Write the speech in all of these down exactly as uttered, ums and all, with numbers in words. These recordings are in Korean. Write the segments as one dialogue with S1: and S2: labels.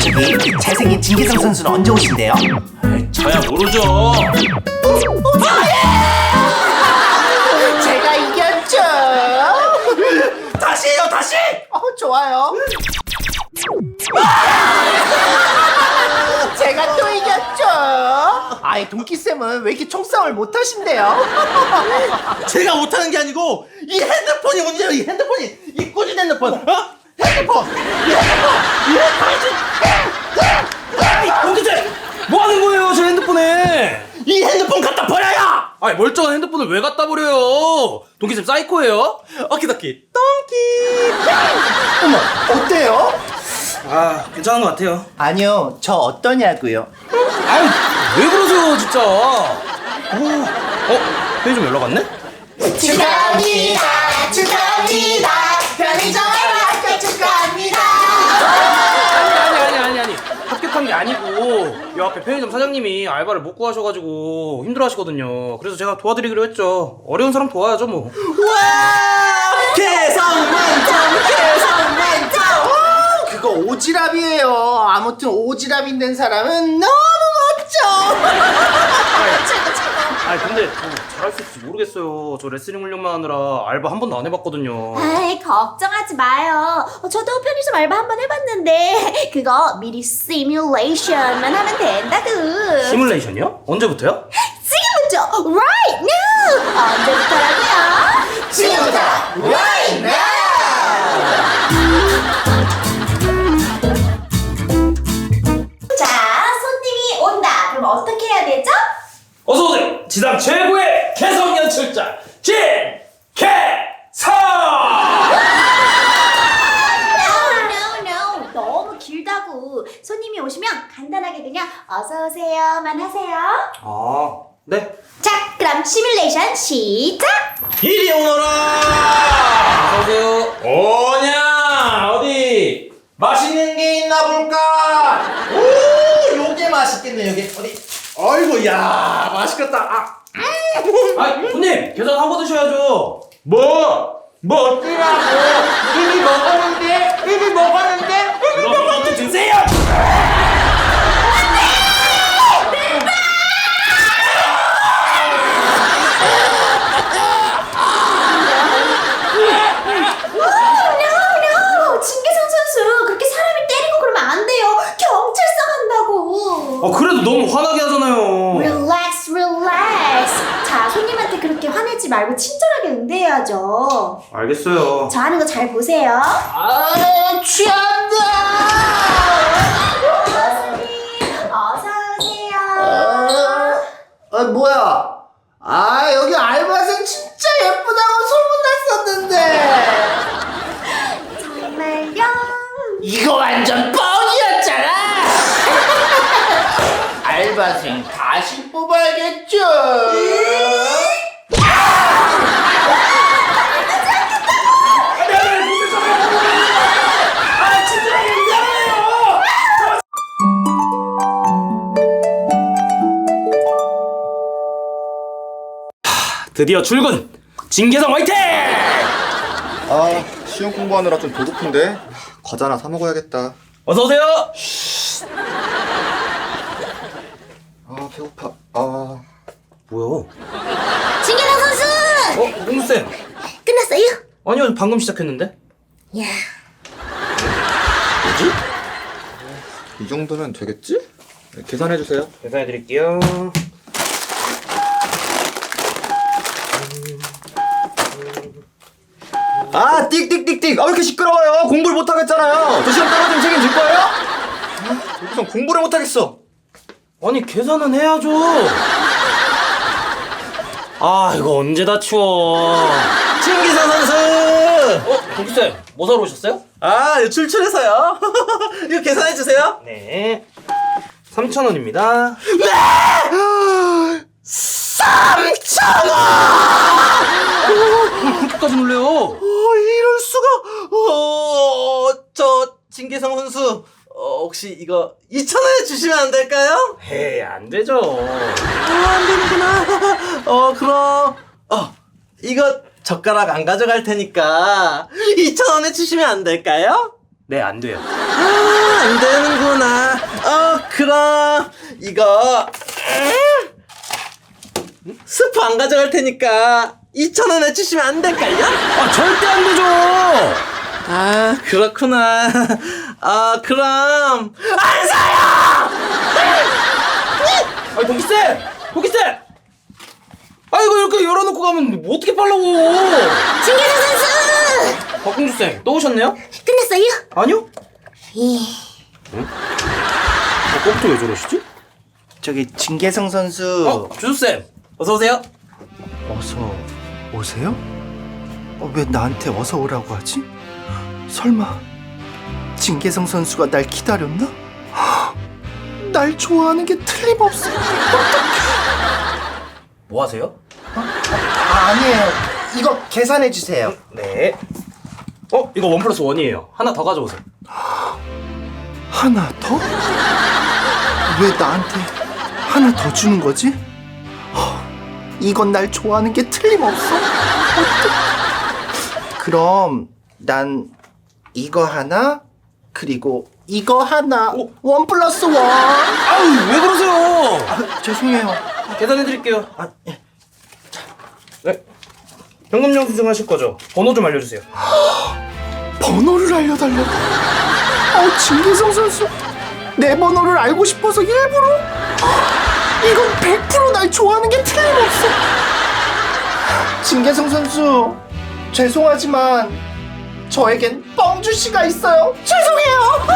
S1: 저기 잘생긴 진계성 선수는 언제 오신대요?
S2: 에이, 저야 모르죠.
S1: 제가 이겼죠.
S2: 다시 해요, 다시.
S1: 어, 좋아요. 제가 또 이겼죠. 아이, 동키쌤은 왜 이렇게 총싸움을 못하신대요?
S2: 제가 못하는 게 아니고 이 핸드폰이 문제예요. 이 핸드폰이 이 꾸준 핸드폰. 어? 핸드폰. 이 핸드폰. 이 핸드폰.
S3: 동기들 뭐 하는 거예요, 제 핸드폰에?
S2: 이 핸드폰 갖다 버려요.
S3: 아니, 멀쩡한 핸드폰을 왜 갖다 버려요? 동기쌤 사이코예요?
S2: 어키더키 똥키.
S1: 어머, 어때요?
S3: 아, 괜찮은 것 같아요.
S1: 아니요, 저 어떠냐고요?
S3: 아유, 왜 그러세요, 진짜? 어, 어? 편의점 연락 왔네?
S4: 축하합니다 축하합니다 편의점에 합격 축하합니다.
S3: 아니, 아니, 아니, 아니. 합격한 게 아니고, 이 앞에 편의점 사장님이 알바를 못 구하셔가지고 힘들어 하시거든요. 그래서 제가 도와드리기로 했죠. 어려운 사람 도와야죠, 뭐.
S1: 와! 개성 만점! 개성 만점! 와, 그거 오지랖이에요. 아무튼 오지랖이 된 사람은 너무 멋져! 최고, 최고!
S3: 아니, 근데 저 잘할 수 있을지 모르겠어요. 저 레슬링 훈련만 하느라 알바 한 번도 안 해봤거든요.
S4: 아이 걱정하지 마요. 어, 저도 편의점 알바 한 번 해봤는데 그거 미리 시뮬레이션만 하면 된다고.
S3: 시뮬레이션이요? 언제부터요?
S4: 지금부터 right now. 언제부터라고요? 지금부터 right now. 자, 손님이 온다. 그럼 어떻게 해야 되죠?
S3: 어서오세요! 지상 최고의 개성 연출자 진개성!
S4: No, no, no. 너무 길다고. 손님이 오시면 간단하게 그냥 어서 오세요만 하세요.
S3: 아, 네.
S4: 자, 그럼 시뮬레이션 시작.
S2: 이리 오너라.
S3: 어서오세요.
S2: 오냐 어디 맛있는 게 있나 볼까. 오, 요게 맛있겠네. 요게 어디. 아이고, 야, 맛있겠다. 아,
S3: 아, 손님! 계산 하고 드셔야죠.
S2: 뭐? 뭐 어찌라고? 이미 먹었는데? 이미 먹었는데? 이미
S3: 그럼
S2: 먹었는데?
S3: 이것도 드세요!
S4: No, 진계성 선수 그렇게 사람을 때리고 그러면 안 돼요. 경찰서 간다고.
S3: 아, 그래도 너무 화나게 하잖아요.
S4: Relax, relax. 자, 손님한테 그렇게 화내지 말고 친절하게 응대해야죠.
S3: 알겠어요.
S4: 저 하는 거 잘 보세요.
S1: 아, 취한다!
S4: 손님, 어서 오세요.
S1: 아, 아, 뭐야? 아, 여기 알바생 진짜 예쁘다고 소문났었는데!
S4: 정말요?
S1: 이거 완전 뻥이었잖아! 알바생 다시 뽑아야겠죠?
S3: 드디어 출근! 진계성 화이팅!
S5: 아, 시험 공부하느라 좀 배고픈데 과자 하나 사 먹어야겠다.
S3: 어서오세요!
S5: 아, 배고파. 아,
S3: 뭐야?
S4: 진계성 선수!
S3: 어? 공무쌤!
S4: 끝났어요?
S3: 아니요, 방금 시작했는데?
S4: 야.
S3: 뭐지?
S5: 이 정도면 되겠지? 네, 계산해 주세요.
S3: 계산해드릴게요.
S5: 아, 띡띡띡띡. 아, 왜 이렇게 시끄러워요? 공부를 못 하겠잖아요. 저 시험 떨어지면 책임질 거예요? 아, 여기선 공부를 못 하겠어.
S3: 아니, 계산은 해야죠. 아, 이거 언제 다 치워.
S2: 진기성 선수.
S3: 어? 동기쌤, 뭐 사러 오셨어요?
S2: 아, 이거 출출해서요. 이거 계산해 주세요.
S3: 네. 삼천 원입니다.
S2: 삼천 원.
S3: 그렇게까지 놀래요?
S2: 어, 이럴 수가. 어, 저 진계성 선수. 어, 혹시 이거 이천 원에 주시면 안 될까요?
S3: 에이, 안 되죠.
S2: 아, 안 되는구나. 어, 그럼 어, 이거 젓가락 안 가져갈 테니까 이천 원에 주시면 안 될까요?
S3: 네, 안 돼요.
S2: 아, 안 되는구나. 어, 그럼 이거 음? 스프 안 가져갈 테니까 이천 원 해주시면 안 될까요?
S3: 아 절대 안 되죠.
S2: 아, 그렇구나. 아, 그럼 안 사요.
S3: 아니 동기쌤, 동기쌤. 아 이거 이렇게 열어놓고 가면 뭐 어떻게 빨라고?
S4: 진계성 선수
S3: 박공주쌤 또 오셨네요?
S4: 끝났어요?
S3: 아니요.
S4: 예.
S3: 어, 컴퓨터 왜 저러시지?
S1: 저기 진계성 선수
S3: 어, 주수쌤 어서 오세요.
S1: 어서 오세요? 어, 왜 나한테 어서 오라고 하지? 설마 진계성 선수가 날 기다렸나? 헉, 날 좋아하는 게 틀림없어.
S3: 뭐 하세요?
S1: 아, 아니에요. 이거 계산해 주세요.
S3: 네. 어, 이거 원 플러스 원이에요. 하나 더 가져오세요.
S1: 하나 더? 왜 나한테 하나 더 주는 거지? 헉, 이건 날 좋아하는 게 틀림없어. 어떡해. 그럼 난 이거 하나 그리고 이거 하나
S3: 오.
S1: 원 플러스 원.
S3: 아유, 왜 그러세요?
S1: 아, 죄송해요.
S3: 계산해드릴게요.
S1: 아, 예.
S3: 네. 현금영 수정하실 거죠? 번호 좀 알려주세요.
S1: 번호를 알려달라고? 어, 진계성 선수 내 번호를 알고 싶어서 일부러? 헉, 이건 백 퍼센트 날 좋아하는 게 틀림없어. 진계성 선수 죄송하지만 저에겐 뻥주씨가 있어요. 죄송해요.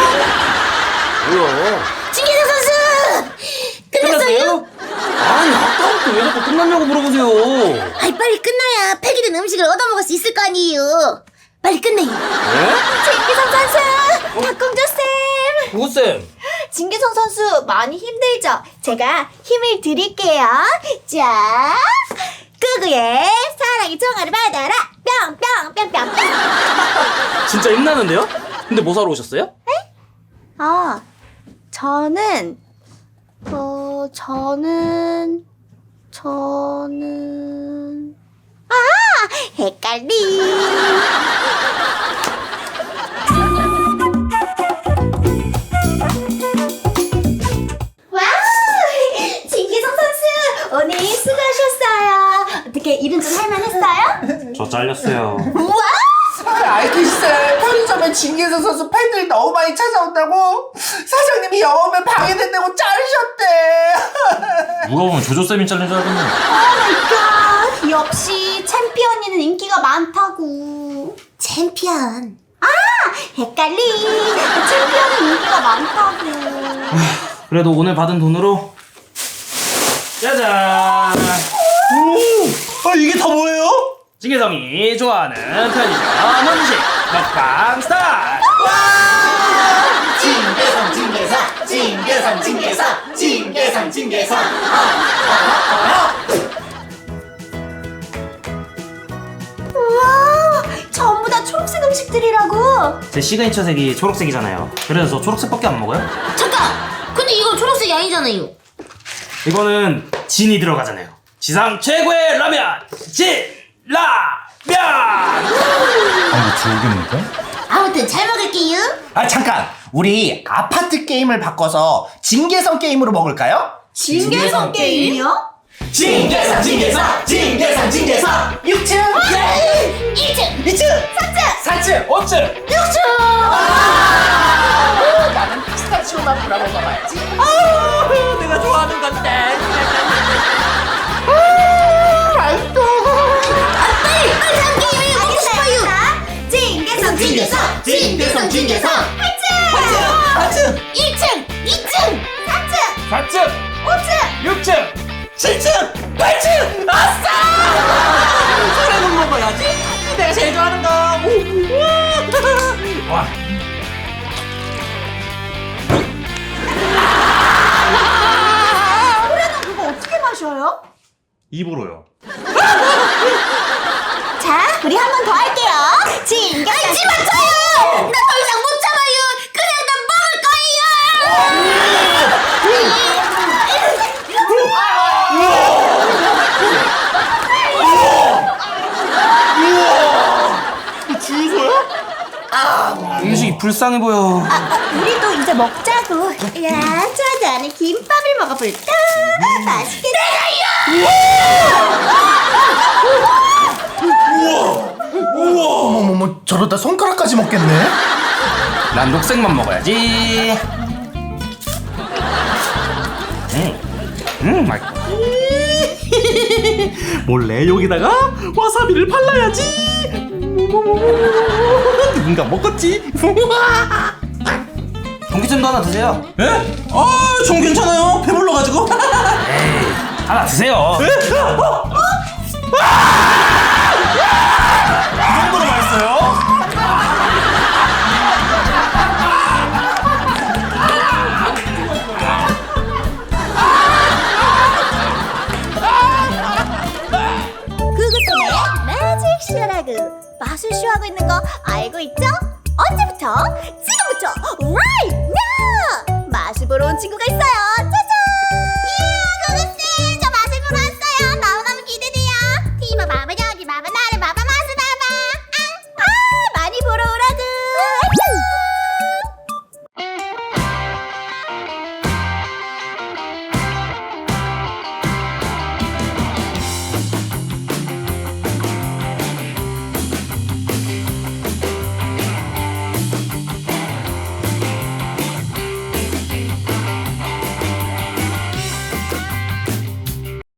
S3: 뭐야?
S4: 진계성 선수 끝났어요?
S3: 아니, 아까부터 왜 자꾸 끝났냐고 물어보세요.
S4: 아이 빨리 끝나야 폐기된 음식을 얻어먹을 수 있을 거 아니에요. 빨리 끝내요.
S3: 네?
S4: 진계성 선수, 박공주 쌤.
S3: 구구쌤.
S4: 진계성 선수 많이 힘들죠? 제가 힘을 드릴게요. 자, 꾸구의 사랑의 총알을 받아라. 뿅뿅뿅뿅뿅.
S3: 진짜 힘나는데요? 근데 뭐 사러 오셨어요?
S4: 아, 저는 어 저는 저는 아 헷갈리. 와우, 진계성 선수 오늘 수고하셨어요. 어떻게 일은 좀 할만했어요?
S3: 저 잘렸어요.
S4: 우와.
S1: 알겠어요. 편의점에 진계성 선수 팬들이 너무 많이 찾아온다고 사장님이 영업에 방해된다고 자르셨대.
S3: 물어보면 조조쌤이 잘린 줄 알겠네.
S4: 오마이갓, 역시 챔피언이는 인기가 많다고. 챔피언. 아, 헷갈리. 챔피언은 인기가 많다고.
S3: 그래도 오늘 받은 돈으로 짜잔!
S2: 아, 이게 다 뭐예요?
S3: 진계성이 좋아하는 편의점 음식 먹방 스타일!
S1: 진계성 진계성 진계성 진계성 진계성 진계성.
S4: 우와, 전부 다 초록색 음식들이라고.
S3: 제 시그니처 색이 초록색이잖아요. 그래서 저 초록색밖에 안 먹어요.
S4: 잠깐, 근데 이거 초록색이 아니잖아요.
S3: 이거는 진이 들어가잖아요. 지상 최고의 라면! 진라면!
S4: 아무튼 잘 먹을게요.
S1: 아 잠깐, 우리 아파트 게임을 바꿔서 진계성 게임으로 먹을까요?
S4: 진계성 게임이요?
S1: 진계성 진계성 진계성 진계성 육 층
S4: 일 층,
S1: 이 층
S4: 삼 층,
S1: 사 층
S3: 오 층!
S4: 육 층.
S1: 나는 피스타치오만 뿌려 먹어봐야지.
S2: 내가 좋아하는 건데.
S1: 맛있어.
S4: 빨리, 빨리 다음 게임을 먹고 싶어요. 진계성, 진계성, 진계성, 진계성. 팔 층,
S1: 사 층
S4: 일 층, 이 층, 삼 층,
S3: 사 층!
S4: 오 층.
S3: 육 층!
S1: 칠 층 팔 층 아싸.
S2: 소래는 먹어야지. 내가 제일 좋아하는 거.
S3: 와,
S4: 노래는 그거 어떻게 마셔요?
S3: 입으로요.
S4: 자, 우리 한 번 더 할게요. 진계성. 하지 마, 저요. 나 더 이상 못 참아요. 그냥 나 먹을
S3: 음식이 불쌍해 보여.
S4: 거예요. 아, 우리도 먼저 먹자고. 야, 저 나는 김밥을 먹어볼까? 맛있겠다.
S1: 어머머머, 저러다 손가락까지 먹겠네.
S3: 난 녹색만 먹어야지. 음, 음, 맛있다.
S2: 몰래 여기다가 와사비를 발라야지. 누군가 먹었지?
S3: 동기쌤도 하나 드세요.
S2: 에? 아, 전 괜찮아요. 배불러가지고.
S3: 하나 드세요.
S2: 이 정도로 맛있어요?
S4: 구구쌤의 매직 쇼라구. 맛을 쇼하고 있는 거 알고 있죠? 언제부터? 지금부터 right now! 맛을 보러 온 친구가